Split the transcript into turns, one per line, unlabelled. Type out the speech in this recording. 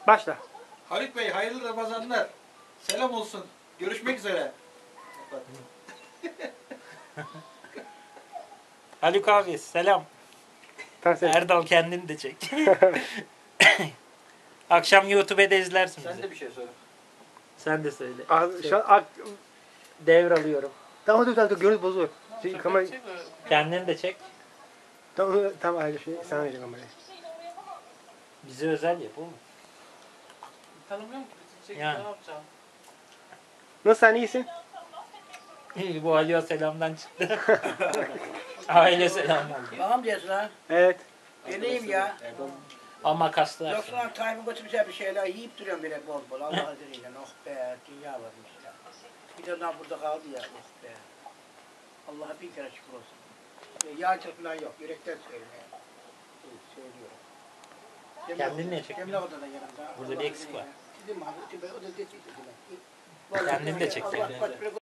Başla.
Haluk Bey hayırlı Ramazanlar. Selam olsun. Görüşmek üzere.
Haluk abi selam.
Tamam,
Erdal kendini de çek. Akşam YouTube'da izlersin
Sen
bizi.
de bir şey söyle.
Sen de söyle.
Şu an
Devralıyorum.
tamam dur görüntü bozulur. Kamera
Kendini de çek.
tamam ayrı şey sana vereceğim kamerayı.
Bize özel yap oğlum.
Tanımıyorum ki. Çekip
Yani.
ne yapacağım?
Nasıl sen iyisin?
Bu Ali'ye selamdan çıktı. Aile selam oldu.
Tamam diyorsun ha.
Evet.
Geleyim ya.
Ama kaslar.
Yoksa Tayyip'in götürmüşe bir şeyler yiyip duruyorum böyle bol bol. Allah izniyle. Oh be, dünya varmış ya. Bir de daha burada kaldı ya. Oh be. Allah'a bin kere şükür olsun. Yağcılık falan yok. Yürekten söylüyorum ya. Söylüyorum.
Kendin ne çekiyorsun?
Cemile odada yanımda.
Burada bir eksik var.
Dedim abi, o da dedi.
Kendin de çek.
Allah